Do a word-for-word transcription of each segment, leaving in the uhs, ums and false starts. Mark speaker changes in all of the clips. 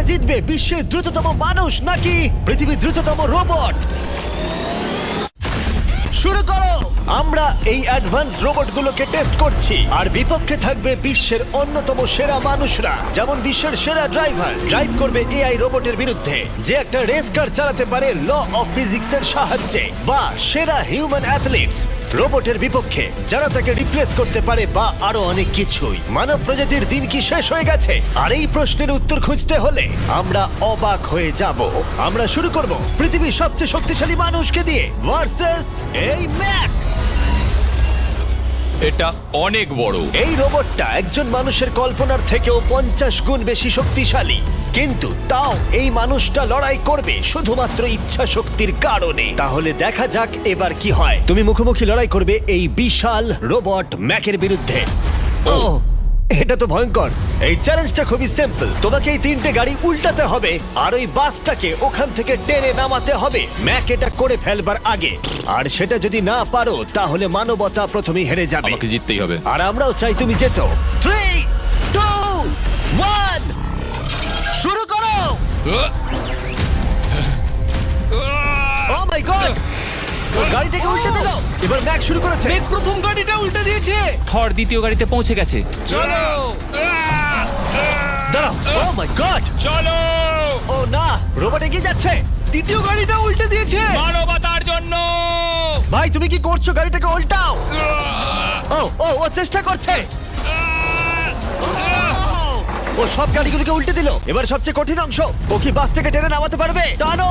Speaker 1: জিতবে, বিশ্বের দ্রুততম মানুষ নাকি পৃথিবীর দ্রুততম রোবট? শুরু করো। আমরা এই অ্যাডভান্স রোবটগুলোকে টেস্ট করছি, আর বিপক্ষে থাকবে বিশ্বের অন্যতম সেরা মানুষরা, যেমন বিশ্বের সেরা ড্রাইভার ড্রাইভ করবে এআই রোবটের বিরুদ্ধে, যে একটা রেস কার চালাতে পারে ল অফ ফিজিক্সের সাহায্যে, বা সেরা হিউম্যান অ্যাথলিটস রোবটের বিপক্ষে যারা তাকে রিপ্লেস করতে পারে, বা আরো অনেক কিছুই। মানব প্রজাতির দিন কি শেষ হয়ে গেছে? আর এই প্রশ্নের উত্তর খুঁজতে হলে আমরা অবাক হয়ে যাব। আমরা শুরু করব পৃথিবীর সবচেয়ে শক্তিশালী মানুষকে দিয়ে ভার্সেস এই ম্যাক।
Speaker 2: এটা অনেক বড়।
Speaker 1: এই রোবটটা একজন মানুষের কল্পনার থেকেও পঞ্চাশ গুণ বেশি শক্তিশালী, কিন্তু তাও এই মানুষটা লড়াই করবে শুধুমাত্র ইচ্ছা শক্তির কারণে। তাহলে দেখা যাক এবার কি হয়। তুমি মুখোমুখি লড়াই করবে এই বিশাল রোবট ম্যাকের বিরুদ্ধে। ও, এটা তো ভয়ঙ্কর। এই চ্যালেঞ্জটা খুবই সিম্পল। তোমাকে এই তিনটে গাড়ি উল্টাতে হবে, আর ওই বাসটাকে ওখান থেকে টেনে নামাতে হবে ম্যাক এটা করে ফেলবার আগে। আর সেটা যদি না পারো তাহলে মানবতা প্রথমেই হেরে যাবে।
Speaker 2: আমাকে জিততেই হবে।
Speaker 1: আর আমরাও চাই তুমি যেতো। থ্রি টু ওয়ান, শুরু করো। ও মাই গড, গাড়িটাকে উল্টে দিল। এবার ম্যাক শুরু করেছে।
Speaker 3: প্রথম গাড়িটা উল্টে দিয়েছে।
Speaker 4: থর দ্বিতীয় গাড়িতে পৌঁছে গেছে।
Speaker 2: চলো
Speaker 1: দাঁড়াও। ও মাই গড,
Speaker 2: চলো।
Speaker 1: ও না, রোবট এগিয়ে যাচ্ছে।
Speaker 3: দ্বিতীয় গাড়িটা উল্টে দিয়েছে।
Speaker 2: মানবতার জন্য।
Speaker 1: ভাই তুমি কি করছো? গাড়িটাকে উল্টাও। ও ও ও চেষ্টা করছে। ও সব গাড়িগুলোকে উল্টে দিল। এবার সবচেয়ে কঠিন অংশ, ও কি বাসটাকে টেনে নামাতে পারবে? টানো।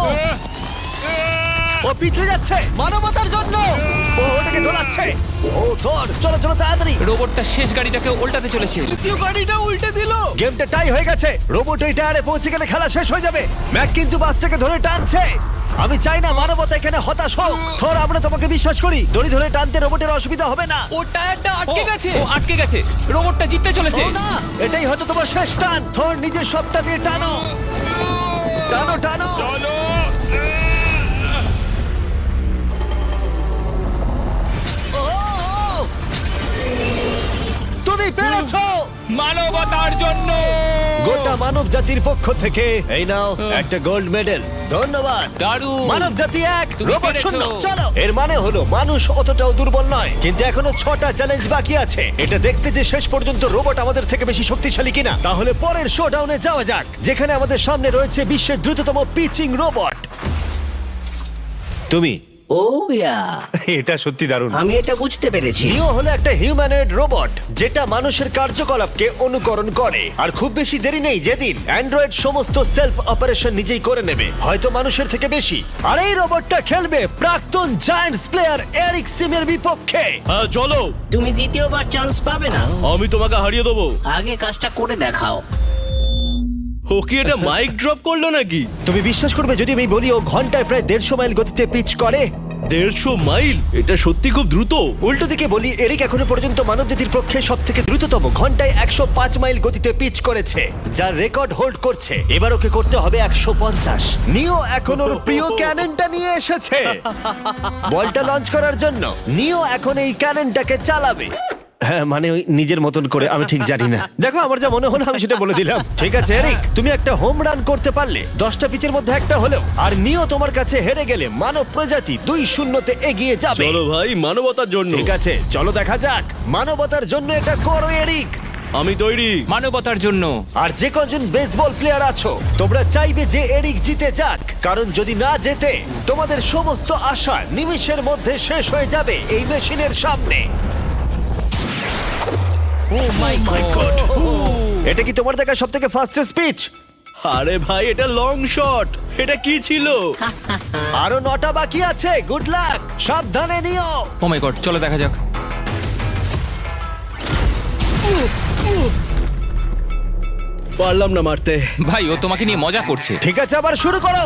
Speaker 1: ও পিছলে যাচ্ছে মানবতার জন্য। ও ওটাকে দোলাচ্ছে। ও ধর, চলো চলো তাড়াতাড়ি।
Speaker 4: রোবটটা শেষ গাড়িটাকে উল্টাতে চলেছে।
Speaker 3: দ্বিতীয় গাড়িটা উল্টে দিল।
Speaker 1: গেমটা টাই হয়ে গেছে। রোবট ওই টায়ারে পৌঁছে গেলে খেলা শেষ হয়ে যাবে। ম্যাক কিন্তু বাসটাকে ধরে টানছে। আমি চাই না মানবতা এখানে হতাশ হোক। থর, আমরা তোমাকে বিশ্বাস করি। দড়ি ধরে টানতে রোবটের অসুবিধা হবে না।
Speaker 3: ও টায়ারটা আটকে
Speaker 4: ও,
Speaker 3: গেছে।
Speaker 4: ও আটকে গেছে। রোবটটা জিততে চলেছে।
Speaker 1: ও না, এটাই হয়তো তোমার শেষ টান। থর, নিজের সবটা দিয়ে টানো টানো টানো।
Speaker 2: চলো।
Speaker 1: ও, ও, তুমি পেরেছো।
Speaker 2: মানবতার জন্য।
Speaker 1: গোটা মানব জাতির পক্ষ থেকে এই নাও একটা গোল্ড মেডেল। ধন্যবাদ।
Speaker 4: দারুণ।
Speaker 1: মানব জাতি এক,
Speaker 4: তুমি
Speaker 1: রোবট
Speaker 4: পেরেছো।
Speaker 1: শূন্য। চলো। এর মানে হলো মানুষ অতটাও দুর্বল নয়, কিন্তু এখনো ছটা চ্যালেঞ্জ বাকি আছে। এটা দেখতে যে শেষ পর্যন্ত রোবট আমাদের থেকে বেশি শক্তিশালী কিনা। তাহলে পরের শোডাউনে যাওয়া যাক, যেখানে আমাদের সামনে রয়েছে বিশ্বের দ্রুততম পিচিং রোবট। তুমি
Speaker 5: ও ইয়া,
Speaker 1: এটা সত্যি দারুণ।
Speaker 5: আমি এটা বুঝতে পেরেছি।
Speaker 1: নিও হলো একটা হিউম্যানয়েড রোবট যেটা মানুষের কার্যকলাপকে অনুকরণ করে। আর খুব বেশি দেরি নেই যেদিন অ্যান্ড্রয়েড সমস্ত সেলফ অপারেশন নিজেই করে নেবে, হয়তো মানুষের থেকে বেশি। আর এই রোবটটা খেলবে প্রাক্তন জায়ান্টস প্লেয়ার এরিক সিমের বিপক্ষে।
Speaker 6: হ্যাঁ চলো,
Speaker 5: তুমি দ্বিতীয়বার চান্স পাবে না।
Speaker 6: আমি তোমাকে হারিয়ে দেবো।
Speaker 5: আগে কাজটা করে দেখাও।
Speaker 6: ও কি এটা মাইক ড্রপ করলো নাকি?
Speaker 1: তুমি বিশ্বাস করবে যদি আমি বলি ও ঘন্টায় প্রায় দেড়শো মাইল গতিতে পিচ করে?
Speaker 6: দেড়শো মাইল? এটা সত্যি খুব দ্রুত।
Speaker 1: উল্টো দিকে বলি, এরিক এখনো পর্যন্ত মানবজাতির পক্ষে সব থেকে দ্রুততম ঘন্টায় একশো পাঁচ মাইল গতিতে পিচ করেছে, যার রেকর্ড হোল্ড করছে। এবার ওকে করতে হবে একশো পঞ্চাশ। নিও এখন ওর প্রিয় ক্যাননটা নিয়ে এসেছে বলটা লঞ্চ করার জন্য। নিও এখন এই ক্যাননটাকে চালাবে। হ্যাঁ, মানে ওই নিজের মতন করে, আমি ঠিক জানি না। দেখো, আমার যা মনে হলো আমি সেটা বলে দিলাম। ঠিক আছে এরিক, তুমি একটা হোম রান করতে পারলে দশটা পিচের মধ্যে একটা হলেও, আর নিও তোমার কাছে হেরে গেলে মানব প্রজাতি দুই শূন্যতে এগিয়ে যাবে।
Speaker 6: চলো ভাই, মানবতার জন্য।
Speaker 1: ঠিক আছে, চলো দেখা যাক। মানবতার জন্য এটা করো এরিক।
Speaker 6: আমি তৈরি।
Speaker 4: মানবতার জন্য।
Speaker 1: আর যে কজন বেসবল প্লেয়ার আছো, তোমরা চাইবে যে এরিক জিতে যাক, কারণ যদি না জেতে তোমাদের সমস্ত আশা নিমিষের মধ্যে শেষ হয়ে যাবে এই মেশিনের সামনে।
Speaker 4: Oh my god.
Speaker 1: এটা কি তোমার দেখা সব থেকে ফাস্টেস্ট স্পিচ?
Speaker 6: আরে ভাই, এটা লং শট। এটা কি ছিল?
Speaker 1: আরো নটা বাকি আছে। গুড লাক, সাবধানে নিও।
Speaker 4: ও মাই গড, চলো দেখা যাক।
Speaker 6: পারলাম না মারতে।
Speaker 4: ভাই, ও তোমাকে নিয়ে মজা করছে।
Speaker 1: ঠিক আছে, আবার শুরু করো।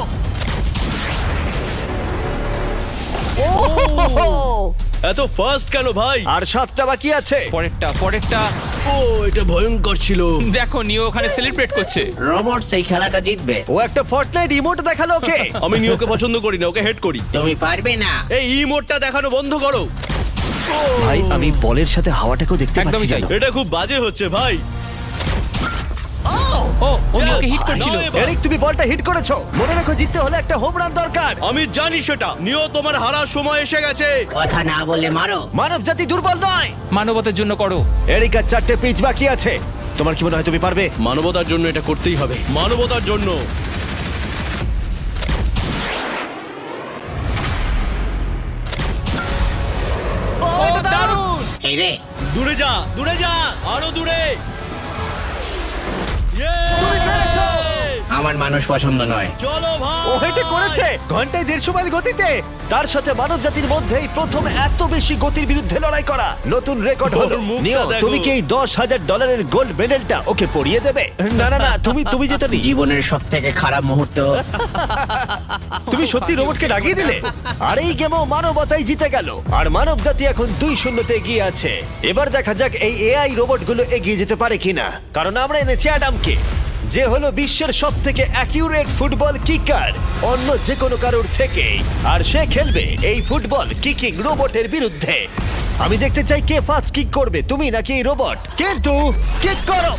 Speaker 1: ওহ!
Speaker 6: এত ফাস্ট কেন ভাই?
Speaker 1: আর সাতটা বাকি আছে।
Speaker 4: পরেরটা পরেরটা
Speaker 6: ও, এটা ভয়ঙ্কর ছিল।
Speaker 4: দেখো, নিও ওখানে সেলিব্রেট করছে।
Speaker 5: রোবট সেই খেলাটা জিতবে।
Speaker 1: ও একটা ফর্টনাইট ইমোট দেখালো ওকে।
Speaker 6: আমি নিওকে পছন্দ করি না, ওকে হেড করি।
Speaker 5: তুমি পারবে না।
Speaker 6: এই ইমোটটা দেখানো বন্ধ করো।
Speaker 1: ভাই, আমি বলের সাথে হাওয়াটাকেও দেখতে
Speaker 4: একদমই
Speaker 1: পাচ্ছি
Speaker 4: তাই।
Speaker 1: জানো।
Speaker 6: এটা খুব বাজে হচ্ছে ভাই।
Speaker 4: ও ও নিওকে হিট করছিল
Speaker 6: নাও এবার।
Speaker 1: এরিক, তুমি বলটা হিট করেছো। মনে রেখো, জিততে হলে একটা হোম রান দরকার।
Speaker 6: আমি জানি সেটা। নিও, তোমার হারার সময় এসে গেছে।
Speaker 5: কথা না বলে মারো।
Speaker 1: মানব জাতি দুর্বল নয়।
Speaker 4: মানবতার জন্য করো।
Speaker 1: এরিক, আর চারটে পিচ বাকি আছে। তোমার কি মনে হয় তুমি পারবে?
Speaker 6: মানবতার জন্য এটা করতেই হবে। মানবতার জন্য।
Speaker 1: ও,
Speaker 4: ও
Speaker 1: এটা দারুণ।
Speaker 4: দারুণ!
Speaker 5: এই রে,
Speaker 6: দূরে যা, দূরে যা, আরো দূরে।
Speaker 1: তুমি পেরেছো।
Speaker 5: আমার মানুষ পছন্দ নয়।
Speaker 6: চলো ভাই।
Speaker 1: ও এটা করেছে ঘন্টায় দেড়শো মাইল গতিতে। তার সাথে মানব জাতির মধ্যেই প্রথম এত বেশি গতির বিরুদ্ধে লড়াই করা নতুন রেকর্ড হলো।
Speaker 6: ওর মুখটা
Speaker 1: নিও,
Speaker 6: দেখো।
Speaker 1: তুমি কি এই দশ হাজার ডলারের গোল্ড মেডেলটা ওকে পরিয়ে দেবে? না না না, তুমি তুমি যেতে নি।
Speaker 5: জীবনের সব থেকে খারাপ মুহূর্ত।
Speaker 1: তুমি সত্যি রোবটকে ডাকিয়ে দিলে। আর এই গেমও মানবতাই জিতে গেল। আর মানব জাতি এখন দুই শূন্যতে এগিয়ে আছে। এবার দেখা যাক এই এআই রোবটগুলো এগিয়ে যেতে পারে কিনা, কারণ আমরা এনেছি অ্যাডামকে, যে হলো বিশ্বের সব থেকে অ্যাকিউরেট ফুটবল কিকার অন্য যে কোনো কারোর থেকে। আর সে খেলবে এই ফুটবল কিকিং রোবটের বিরুদ্ধে। আমি দেখতে চাই কে ফার্স্ট কিক করবে, তুমি নাকি এই রোবট। কিন্তু কিক করো।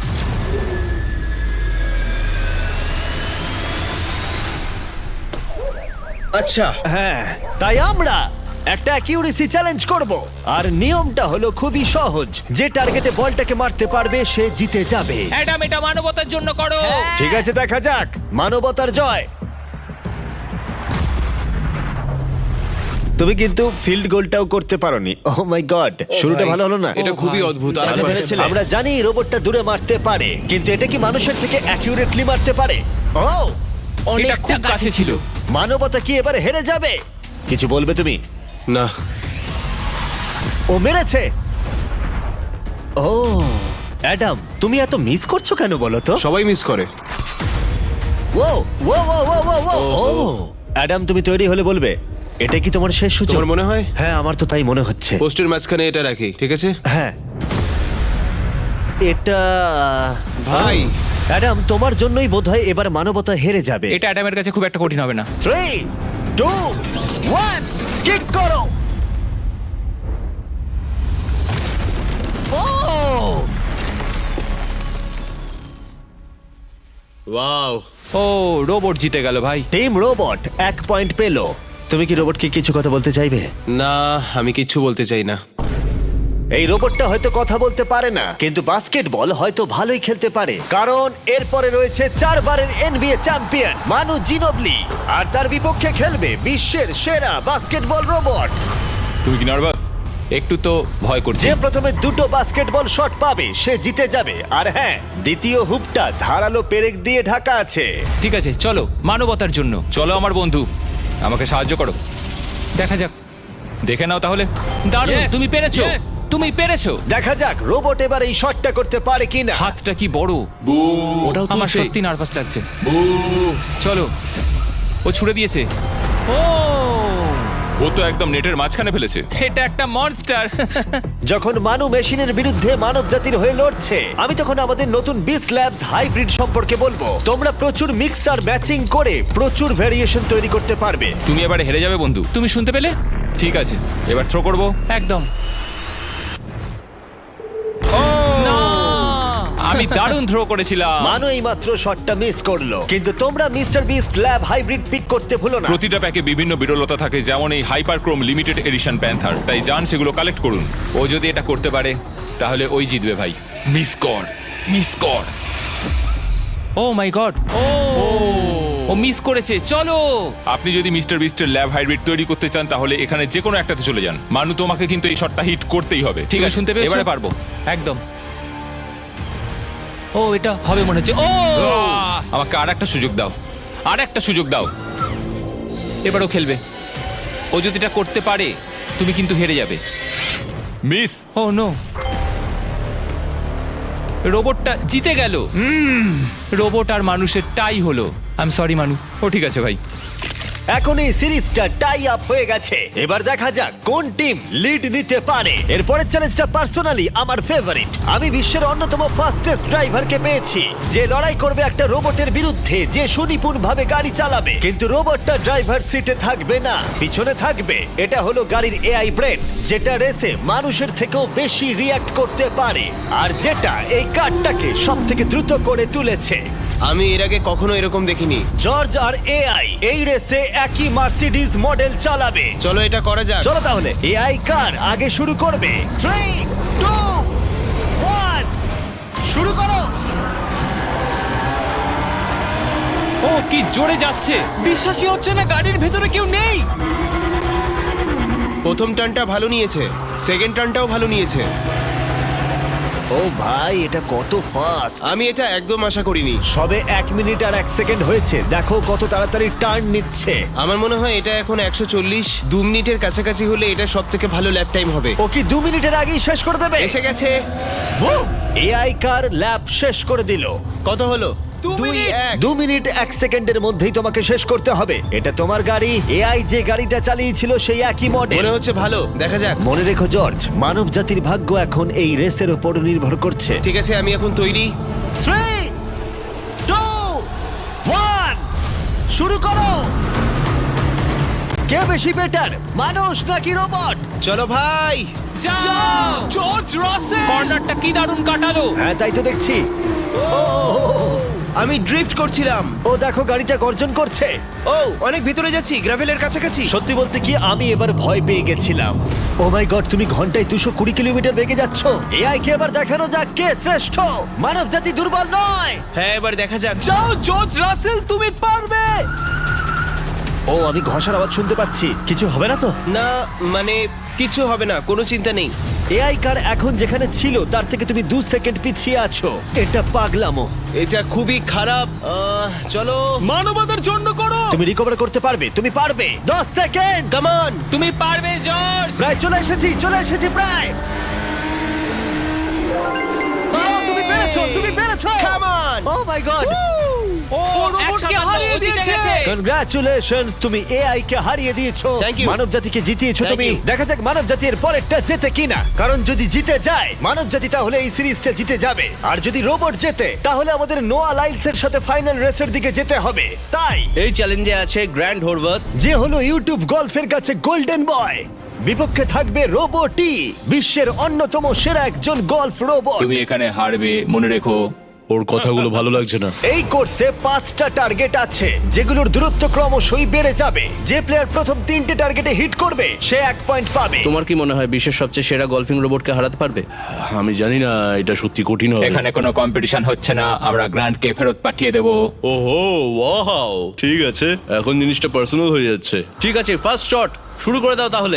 Speaker 6: আচ্ছা,
Speaker 1: হ্যাঁ, তাই আমরা একটা অ্যাকিউরেসি চ্যালেঞ্জ করব। আর নিয়মটা হলো খুবই সহজ, যে টার্গেটে বলটাকে মারতে পারবে সে জিতে যাবে।
Speaker 4: অ্যাডাম, এটা মানবতার জন্য করো।
Speaker 1: ঠিক আছে, দেখা যাক মানবতার জয়। তুমি কিন্তু ফিল্ড গোলটাও করতে পারোনি। ও মাই গড, শুরুটা ভালো হলো না।
Speaker 6: এটা খুবই অদ্ভুত। আর
Speaker 1: আমরা জেনেছিলাম। আমরা জানি রোবটটা দূরে মারতে পারে, কিন্তু এটা কি মানুষের থেকে অ্যাকিউরেটলি মারতে পারে? ও,
Speaker 4: এটা খুব কাছে ছিল।
Speaker 1: মানবতা কি এবারে হেরে যাবে? কিছু বলবে তুমি?
Speaker 6: না,
Speaker 1: ও মেরেছে। ও অ্যাডাম, তুমি এত মিস করছো কেন বলো তো?
Speaker 7: সবাই মিস করে।
Speaker 1: ও ও ও ও ও ও ও অ্যাডাম, তুমি তৈরি হলে বলবে। এটা কি তোমার শেষ সূচক?
Speaker 7: তোমার মনে হয়?
Speaker 1: হ্যাঁ, আমার তো তাই মনে হচ্ছে।
Speaker 7: পোস্টের মাঝখানে এটা রাখি, ঠিক আছে?
Speaker 1: হ্যাঁ, এটা
Speaker 7: ভাই,
Speaker 1: অ্যাডাম, তোমার জন্যই বোধহয় এবার মানবতা হেরে যাবে।
Speaker 4: এটা অ্যাডামের কাছে খুব একটা কঠিন হবে না।
Speaker 1: থ্রি টু ওয়ান, কিক করো। ও
Speaker 6: ওয়াও।
Speaker 4: ও, রোবট জিতে গেল ভাই।
Speaker 1: টিম রোবট এক পয়েন্ট পেলো। তুমি কি রোবটকে কিছু কথা বলতে চাইবে?
Speaker 7: না, আমি কিচ্ছু বলতে চাই না।
Speaker 1: এই রোবটটা হয়তো কথা বলতে পারে না, কিন্তু বাস্কেটবল হয়তো ভালোই খেলতে পারে, কারণ এরপরে রয়েছে চারবারের এনবিএ চ্যাম্পিয়ন মানু জিনোবলি। আর তার বিপক্ষে খেলবে বিশ্বের সেরা বাস্কেটবল রোবট,
Speaker 2: তুমি কি নার্ভাস?
Speaker 4: একটু তো ভয় করছে।
Speaker 1: যে প্রথমে দুটো বাস্কেটবল শট পাবে সে জিতে যাবে। আর হ্যাঁ, দ্বিতীয় হুপটা ধারালো পেরেক দিয়ে ঢাকা আছে।
Speaker 4: ঠিক আছে, চলো মানবতার জন্য।
Speaker 2: চলো আমার বন্ধু, আমাকে সাহায্য করো।
Speaker 4: দেখা যাক।
Speaker 2: দেখে নাও তাহলে।
Speaker 4: দারুণ,
Speaker 2: Yes,
Speaker 4: তুমি পেরেছো।
Speaker 2: yes.
Speaker 4: তুমি পেরেছো।
Speaker 1: দেখা যাক রোবট এবার এই শটটা করতে পারে কিনা।
Speaker 4: হাতটা কি বড়।
Speaker 6: ওটাও
Speaker 4: আমার
Speaker 6: তুলছে।
Speaker 4: সত্যি নার্ভাস লাগছে। চলো, ও ছুড়ে দিয়েছে। ও,
Speaker 2: ও তো একদম নেটের মাঝখানে ফেলেছে।
Speaker 4: এটা একটা মনস্টার।
Speaker 1: যখন মানু মেশিনের বিরুদ্ধে মানব জাতির হয়ে লড়ছে, আমি তখন আমাদের নতুন বিস্ট ল্যাবস হাইব্রিড সম্পর্কে বলবো। তোমরা প্রচুর মিক্সার ম্যাচিং করে প্রচুর ভেরিয়েশন তৈরি করতে পারবে।
Speaker 2: তুমি এবারে হেরে যাবে বন্ধু।
Speaker 4: তুমি শুনতে পেলে?
Speaker 2: ঠিক আছে, এবার থ্রো করবো।
Speaker 4: একদম। না,
Speaker 2: আমি দারুণ থ্রো করেছিলাম।
Speaker 1: মানু এই মাত্র শটটা মিস করলো, কিন্তু তোমরা Mister Beast lab hybrid pick করতে ভুলো না।
Speaker 2: প্রতিটা প্যাকে বিভিন্ন বিরলতা থাকে, যেমন এই হাইপারক্রোম লিমিটেড এডিশন প্যান্থার। তাই যান সেগুলো কালেক্ট করুন। ও যদি এটা করতে পারে তাহলে ওই জিতবে ভাই। মিস কর, মিস কর।
Speaker 4: ও my god. O, O miss করেছে। চলো।
Speaker 2: আপনি যদি মিস্টার বিস্টের ল্যাব হাইব্রিড তৈরি করতে চান তাহলে এখানে যে কোনো একটাতে চলে যান। মানু, তোমাকে কিন্তু এই শটটা হিট করতেই হবে।
Speaker 4: ঠিক আছে, শুনতে পেয়েছো?
Speaker 2: এবারে পারবো।
Speaker 4: একদম। ও, এটা হবে মনে হচ্ছে। ও,
Speaker 2: আহ! আমাকে আর একটা সুযোগ দাও, আর একটা সুযোগ দাও।
Speaker 4: এবারও খেলবে। ও যদি এটা করতে পারে তুমি কিন্তু হেরে যাবে।
Speaker 2: মিস।
Speaker 4: ও নো, রোবটটা জিতে গেল। রোবট আর মানুষের টাই হলো। আই এম সরি মানু।
Speaker 2: ও ঠিক আছে ভাই।
Speaker 1: এখন এই সিরিজটা টাই আপ হয়ে গেছে। এবার দেখা যাক কোন টিম লিড নিতে পারে। এরপরের চ্যালেঞ্জটা পার্সোনালি আমার ফেভারিট। আমি বিশ্বের অন্যতম ফাস্টেস্ট ড্রাইভারকে পেয়েছি, যে লড়াই করবে একটা রোবটের বিরুদ্ধে যে সুনিপুণ ভাবে গাড়ি চালাবে। কিন্তু রোবটটা ড্রাইভার সিটে থাকবে না, পিছনে থাকবে। এটা হলো গাড়ির এআই ব্রেন, যেটা রেসে মানুষের থেকেও বেশি রিয়্যাক্ট করতে পারে, আর যেটা এই কারটাকে সব থেকে দ্রুত করে তুলেছে।
Speaker 7: আমি এর আগে কখনো এরকম দেখিনি।
Speaker 1: জর্জ আর এআই এই রেসে একই মার্সিডিজ মডেল চালাবে।
Speaker 7: চলো এটা করা যাক।
Speaker 1: চলো তাহলে এআই কার আগে শুরু করবে। থ্রি টু ওয়ান, শুরু করো।
Speaker 4: ও কি জোরে যাচ্ছে!
Speaker 3: বিশ্বাসই হচ্ছে না গাড়ির ভেতরে কেউ নেই।
Speaker 7: প্রথম টার্নটা ভালো নিয়েছে, সেকেন্ড টার্নটাও ভালো নিয়েছে।
Speaker 1: ও ভাই, এটা কত ফাস্ট!
Speaker 7: আমি এটা একদম আশা করিনি।
Speaker 1: সবে এক মিনিট আর এক সেকেন্ড হয়েছে, দেখো কত তাড়াতাড়ি টার্ন নিচ্ছে।
Speaker 7: আমার মনে হয় এটা এখন একশো চল্লিশ, দু মিনিটের কাছাকাছি হলে এটা সব থেকে ভালো ল্যাপ টাইম হবে।
Speaker 1: ও কি দু মিনিটের আগেই শেষ করে দেবে?
Speaker 7: এসে গেছে।
Speaker 1: এআই কার ল্যাব শেষ করে দিল।
Speaker 7: কত হলো?
Speaker 3: দু
Speaker 7: দুই
Speaker 3: মিনিট।
Speaker 7: এক।
Speaker 1: দু মিনিট এক সেকেন্ডের মধ্যেই তোমাকে শেষ করতে হবে। এটা তোমার গাড়ি, এআই যে গাড়িটা চালিয়েছিল সেই একই মডেল।
Speaker 7: মনে হচ্ছে ভালো, দেখা যাক।
Speaker 1: মনে রেখো জর্জ, মানব জাতির ভাগ্য এখন এই রেসের উপর নির্ভর করছে।
Speaker 7: ঠিক আছে, আমি এখন তৈরি।
Speaker 1: থ্রি টু ওয়ান, শুরু করো। কে বেশি বেটার, মানুষ নাকি রোবট?
Speaker 7: চলো ভাই।
Speaker 4: যাও!
Speaker 3: জর্জ রাসেল।
Speaker 4: কর্নারটা কি দারুণ কাটালো!
Speaker 1: হ্যাঁ, তাই তো দেখছি। ও,
Speaker 7: আমি ড্রিফট করছিলাম।
Speaker 1: ও দেখো গাড়িটা গর্জন করছে।
Speaker 7: ও অনেক ভিতরে যাচ্ছি, গ্রাভেলের কাছাকাছি।
Speaker 1: সত্যি বলতে কি, আমি এবার ভয় পেয়ে গেছিলাম। ও মাই গড, তুমি ঘন্টায় দুশো কুড়ি কিলোমিটার বেগে যাচ্ছ। এআই কে এবার দেখানো যাক কে শ্রেষ্ঠ। মানব জাতি দুর্বল নয়।
Speaker 7: হ্যাঁ, এবার দেখা যাক।
Speaker 3: যাও জর্জ রাসেল, তুমি পারবে।
Speaker 1: ও, আমি ঘষার আওয়াজ শুনতে পাচ্ছি। কিছু হবে না তো?
Speaker 7: না মানে কিছু হবে না, কোনো চিন্তা নেই।
Speaker 1: এআই কার এখন যেখানে ছিল তার থেকে তুমি দু সেকেন্ড পিছিয়ে আছো। এটা পাগলামো।
Speaker 7: এটা খুবই খারাপ। আহ, চলো।
Speaker 3: মানবতার জন্য করো।
Speaker 1: তুমি রিকভার করতে পারবে, তুমি পারবে। দশ সেকেন্ড,
Speaker 7: কাম অন।
Speaker 4: তুমি পারবে জর্জ!
Speaker 1: প্রায় চলে এসেছি, চলে এসেছি প্রায়। ও, তুমি পেরেছো, তুমি পেরেছো।
Speaker 7: Come on.
Speaker 1: O my god,
Speaker 4: ও
Speaker 3: ও রোবটকে
Speaker 4: একসাথে
Speaker 3: হারিয়ে
Speaker 4: ও জিতে
Speaker 3: দিয়েছে।
Speaker 4: গেছে।
Speaker 1: কনগ্রাচুলেশনস, তুমি এআই কে হারিয়ে দিয়েছো।
Speaker 7: Thank you.
Speaker 1: মানব জাতিকে জিতিয়েছো
Speaker 7: Thank
Speaker 1: তুমি।
Speaker 7: you.
Speaker 1: দেখা যাক মানব জাতির পরেরটা জেতে কিনা। কারণ যদি জিতে যায় মানব জাতি, তাহলে এই সিরিজটা জিতে যাবে। আর যদি রোবট জেতে, তাহলে আমাদের নোয়া লাইলসের সাথে ফাইনাল রেসের দিকে যেতে হবে। তাই
Speaker 6: এই চ্যালেঞ্জে আছে গ্র্যান্ড হোরভাত।
Speaker 1: যে হলো ইউটিউব গল্ফের কাছে গোল্ডেন বয়, বিপক্ষে থাকবে রোবটই, বিশ্বের অন্যতম সেরা একজন গল্ফ রোবট।
Speaker 4: তুমি এখানে হারবে, মনে রেখো।
Speaker 8: ওর কথাগুলো ভালো লাগছে না।
Speaker 1: এই কোর্সে পাঁচটা টার্গেট আছে, যেগুলোর দূরত্ব ক্রমশই বেড়ে যাবে। যে প্লেয়ার প্রথম তিনটে টার্গেটে হিট করবে সে এক পয়েন্ট পাবে।
Speaker 6: তোমার কি মনে হয় বিশ্বের সবচেয়ে সেরা গলফিং রোবটকে হারাতে পারবে?
Speaker 8: আমি জানি না, এটা সত্যি কঠিন হবে।
Speaker 4: এখানে কোনো কম্পিটিশন হচ্ছে না, আমরা গ্র্যান্ডকে ফেরত পাঠিয়ে দেবো।
Speaker 8: ওহো, ওয়াও, ঠিক আছে, এখন জিনিসটা পার্সোনাল হয়ে যাচ্ছে।
Speaker 6: ঠিক আছে, ফার্স্ট শট শুরু করে দাও তাহলে।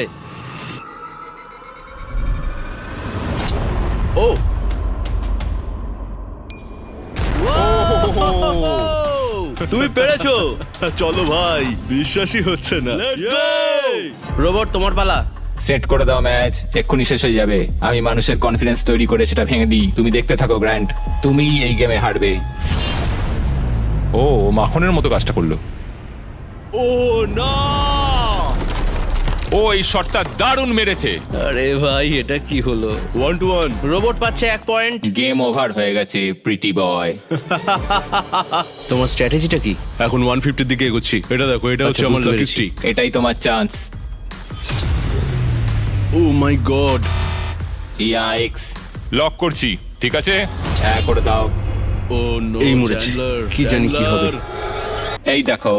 Speaker 6: ও তুমি পেরেছো।
Speaker 8: চলো ভাই, বিশ্বাসই হচ্ছে না।
Speaker 6: রোবট তোমার পালা।
Speaker 4: সেট করে দাও ম্যাচ, এক্ষুনি শেষ হয়ে যাবে। আমি মানুষের কনফিডেন্স তৈরি করে সেটা ভেঙে দিই। তুমি দেখতে থাকো গ্র্যান্ড, তুমি এই গেমে হারবে।
Speaker 2: ও ও মাখনের মতো কাজটা করলো।
Speaker 6: ও না,
Speaker 2: ও এই শটটা দারুণ মেরেছে।
Speaker 6: আরে ভাই এটা কি হলো?
Speaker 8: One two one.
Speaker 6: রোবট পাচ্ছে এক পয়েন্ট।
Speaker 4: গেম ওভার হয়ে গেছে প্রিটি বয়।
Speaker 6: তোমার স্ট্র্যাটেজিটা কি?
Speaker 8: এখন ওয়ান ফিফটির দিকে এগোচ্ছি। এটা দেখো, এটা হচ্ছে
Speaker 6: আচ্ছা,
Speaker 8: আমার
Speaker 6: বুঝতে
Speaker 8: লাকি
Speaker 6: পেরেছি।
Speaker 8: স্ট্রিক।
Speaker 4: এটাই তোমার chance.
Speaker 8: Oh my god.
Speaker 4: Yikes!
Speaker 2: Lock করছি, ঠিক আছে?
Speaker 4: হ্যাঁ, করে দাও।
Speaker 8: ও নো,
Speaker 6: এই মরেছে। কি জানি কি হবে।
Speaker 4: এই দেখো,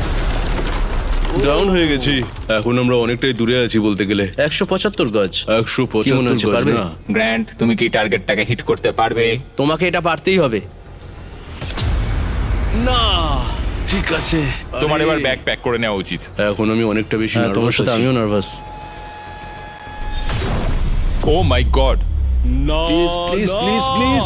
Speaker 8: ডাউন হয়ে গেছি। এখন আমরা অনেকটাই দূরে আছি বলতে গেলে।
Speaker 6: একশো পঁচাত্তর গজ।
Speaker 8: একশো
Speaker 6: কি মনে হচ্ছে,
Speaker 8: পঁচাত্তর
Speaker 6: পারবে?
Speaker 8: না।
Speaker 4: গ্র্যান্ড তুমি কি টার্গেটটাকে হিট করতে পারবে?
Speaker 6: তোমাকে এটা পারতেই হবে।
Speaker 8: না, ঠিক আছে।
Speaker 2: তোমার
Speaker 8: আরে,
Speaker 2: এবার ব্যাগ প্যাক করে নেওয়া উচিত।
Speaker 8: এখন আমি অনেকটা বেশি
Speaker 6: হ্যাঁ, তোমার
Speaker 8: নার্ভাস
Speaker 6: সাথে
Speaker 8: আছি।
Speaker 6: আমিও নার্ভাস।
Speaker 2: Oh my god!
Speaker 8: না,
Speaker 6: প্লিজ প্লিজ
Speaker 8: না।
Speaker 6: Please please.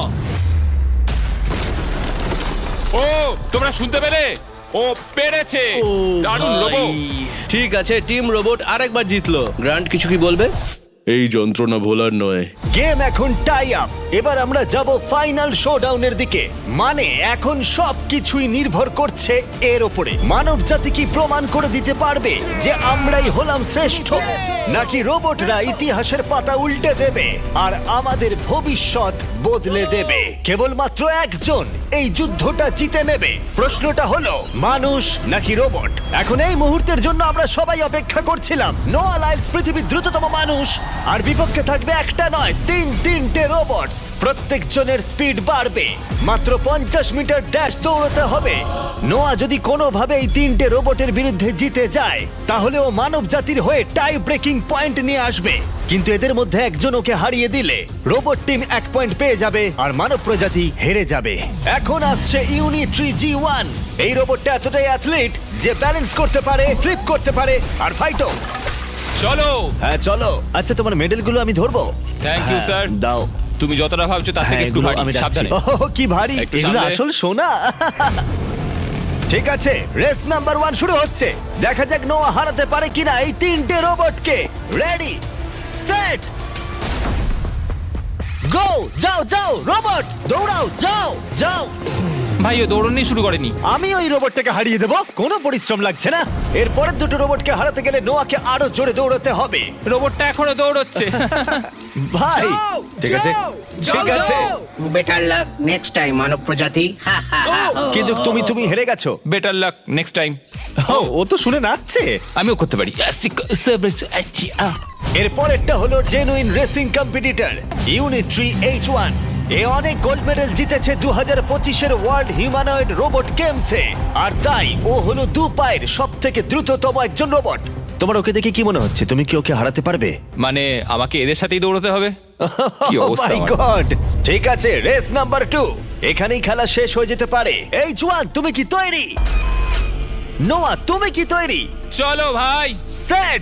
Speaker 2: ও তোমরা শুনতে পেলে? ও পেরেছে! দারুণ রোবট!
Speaker 6: ঠিক আছে, টিম রোবট আরেকবার জিতলো। গ্র্যান্ড কিছু কি বলবে?
Speaker 8: এই যন্ত্রণা ভোলার নয়।
Speaker 1: গেম এখন টাই আপ। এবার আমরা যাব ফাইনাল শোডাউনের দিকে। মানে এখন সব কিছুই নির্ভর করছে এর ওপরে। মানব জাতি কি প্রমাণ করে দিতে পারবে যে আমরাই হলাম শ্রেষ্ঠ, নাকি রোবটরা ইতিহাসের পাতা উল্টে দেবে আর আমাদের ভবিষ্যৎ বদলে দেবে? কেবলমাত্র একজন এই যুদ্ধটা জিতে নেবে। প্রশ্নটা হলো মানুষ নাকি রোবট? এখন এই মুহূর্তের জন্য আমরা সবাই অপেক্ষা করছিলাম। নোয়া লাইলস পৃথিবীর দ্রুততম মানুষ, আর বিপক্ষে থাকবে একটা নয় তিন তিনটে রোবট। প্রত্যেকজনের স্পিড বাড়বে। মাত্র পঞ্চাশ মিটার ড্যাশ দৌড়াতে হবে। নোয়া যদি কোনোভাবে এই তিনটে রোবটের বিরুদ্ধে জিতে যায়, তাহলে ও মানব জাতির হয়ে টাই ব্রেকিং পয়েন্ট নিয়ে আসবে। কিন্তু এদের মধ্যে একজন ওকে হারিয়ে দিলে রোবট টিম এক পয়েন্ট পেয়ে যাবে আর মানব প্রজাতি হেরে যাবে। এখন আসছে ইউনিট্রি জি ওয়ান। এই রোবটটা এতটাই অ্যাথলিট যে ব্যালেন্স করতে পারে, ফ্লিপ করতে পারে আর ফাইটও।
Speaker 2: চলো।
Speaker 1: হ্যাঁ চলো। আচ্ছা, তোমার মেডেলগুলো আমি ধরবো?
Speaker 2: Thank you,
Speaker 1: হ্যাঁ,
Speaker 2: sir.
Speaker 1: দাও।
Speaker 2: তুমি যতটা ভাবছো তার থেকে
Speaker 1: হ্যাঁ,
Speaker 2: একটু
Speaker 1: এগুলো
Speaker 2: ভারী।
Speaker 1: আমি রাখছি।
Speaker 2: সাবধানে।
Speaker 1: ওহ, কি ভারী!
Speaker 2: একটু
Speaker 1: এগুলো
Speaker 2: সামলে।
Speaker 1: আসল সোনা। ঠিক আছে, রেস নাম্বার ওয়ান শুরু হচ্ছে। দেখা যাক নোয়া হারাতে পারে কিনা এই তিনটে রোবটকে। Ready, set, go! যাও যাও রোবট, দৌড়াও, যাও যাও।
Speaker 2: ভাই ও দৌড়নি শুরু করেনি।
Speaker 1: আমি ওই রোবটটাকে হারিয়ে দেবো, কোনো পরিশ্রম লাগছে না। এর পরের দুটো রোবটকে হারাতে গেলে নোয়াকে আরো জোরে দৌড়াতে হবে।
Speaker 2: রোবটটা এখনো দৌড়চ্ছে।
Speaker 1: ভাই
Speaker 3: যাও,
Speaker 1: ঠিক আছে,
Speaker 3: যাও,
Speaker 1: ঠিক
Speaker 3: যাও,
Speaker 1: আছে,
Speaker 3: যাও।
Speaker 5: বেটার লাক নেক্সট টাইম মানব প্রজাতি। হা, হা, হা।
Speaker 1: কিন্তু তুমি তুমি হেরে গেছো।
Speaker 2: Better luck next time.
Speaker 1: ও, ও তো শুনে নাচছে।
Speaker 2: আমিও করতে পারি।
Speaker 1: এর পরেরটা হলো genuine racing competitor Unitree H one. এ অনেক গোল্ড মেডেল জিতেছে দু হাজার পঁচিশের ওয়ার্ল্ড হিউম্যানয়েড রোবট গেমসে, আর তাই ও হলো দু পায়ের সব থেকে দ্রুততম একজন রোবট। তোমার ওকে দেখে কি মনে হচ্ছে? তুমি কি ওকে হারাতে পারবে?
Speaker 2: মানে আমাকে এদের সাথেই দৌড়তে হবে? কি
Speaker 1: Oh
Speaker 2: অবস্থা
Speaker 1: my
Speaker 2: আমার।
Speaker 1: God! ঠিক আছে, রেস নাম্বার টু। এখানেই খেলা শেষ হয়ে যেতে পারে। এইচ ওয়ান, তুমি কি তৈরি? নোয়া, তুমি কি তৈরি?
Speaker 2: চলো ভাই।
Speaker 1: সেট,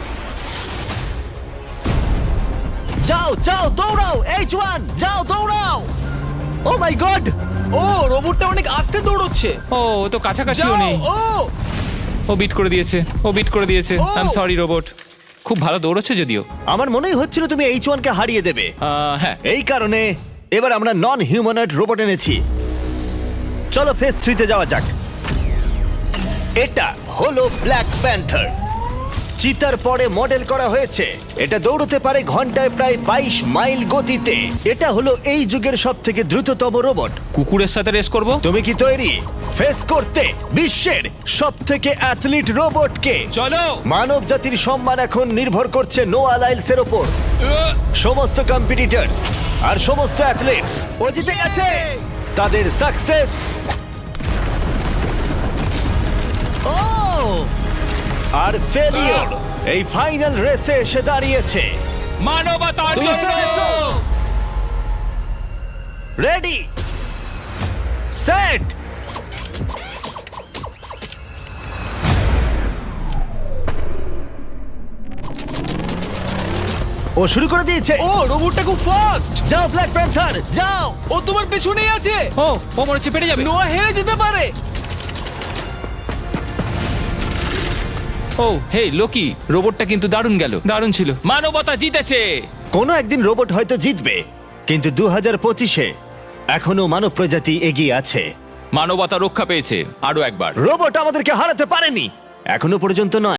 Speaker 1: যাও যাও দৌড়াও। এইচ ওয়ান, যাও দৌড়াও। ও মাই গড!
Speaker 3: ও রোবটটা অনেক আস্তে দৌড়চ্ছে।
Speaker 2: ও ও তো কাছাকাছিও
Speaker 3: যাও,
Speaker 2: নেই।
Speaker 3: ও
Speaker 2: ও বিট করে দিয়েছে। ও বিট করে দিয়েছে।
Speaker 3: Oh!
Speaker 2: I am sorry robot. খুব ভালো দৌড়চ্ছে যদিও।
Speaker 1: আমার মনেই হচ্ছিল তুমি এইচ ওয়ান কে হারিয়ে দেবে।
Speaker 2: আহ, হ্যাঁ।
Speaker 1: এই কারণে এবার আমরা নন হিউম্যানয়েড রোবট এনেছি। চলো ফেজ থ্রিতে যাওয়া যাক। এটা হলো ব্ল্যাক প্যান্থার। চিতার পরে মডেল করা হয়েছে। এটা দৌড়তে পারে ঘন্টায় প্রায় বাইশ মাইল গতিতে। এটা হলো এই যুগের সব থেকে দ্রুততম রোবট।
Speaker 2: কুকুরের সাথে রেস করব।
Speaker 1: তুমি কি তৈরি ফেস করতে বিশ্বের সব থেকে অ্যাথলিট রোবটকে?
Speaker 2: চলো।
Speaker 1: মানব জাতির সম্মান এখন নির্ভর করছে নোয়া লাইলসের ওপর।
Speaker 2: আহ,
Speaker 1: সমস্ত কম্পিটিটরস আর সমস্ত অ্যাথলিটস ও জিতে গেছে। তাদের সাকসেস ও আর ফেলিওর এই ফাইনাল রেসে এসে দাঁড়িয়েছে।
Speaker 2: মানবতার
Speaker 1: তুমি
Speaker 2: জন্য।
Speaker 1: পেরেছো। রেডি, সেট, ও শুরু করে দিয়েছে।
Speaker 3: ও রোবটটা খুব ফাস্ট।
Speaker 1: যাও ব্ল্যাক প্যান্থার, যাও।
Speaker 3: ও তোমার পেছনেই আছে।
Speaker 2: ও ও মনে হচ্ছে পেরে যাবে।
Speaker 3: নোয়া হেরে যেতে পারে।
Speaker 2: ও হে লোকি, রোবটটা কিন্তু দারুণ গেল। দারুণ ছিল। মানবতা জিতেছে।
Speaker 1: কোনো একদিন রোবট হয়তো জিতবে, কিন্তু দু হাজার পঁচিশে এখনো মানব প্রজাতি এগিয়ে আছে।
Speaker 2: মানবতা রক্ষা পেয়েছে আরো একবার।
Speaker 1: রোবট আমাদেরকে হারাতে পারেনি এখনো পর্যন্ত নয়।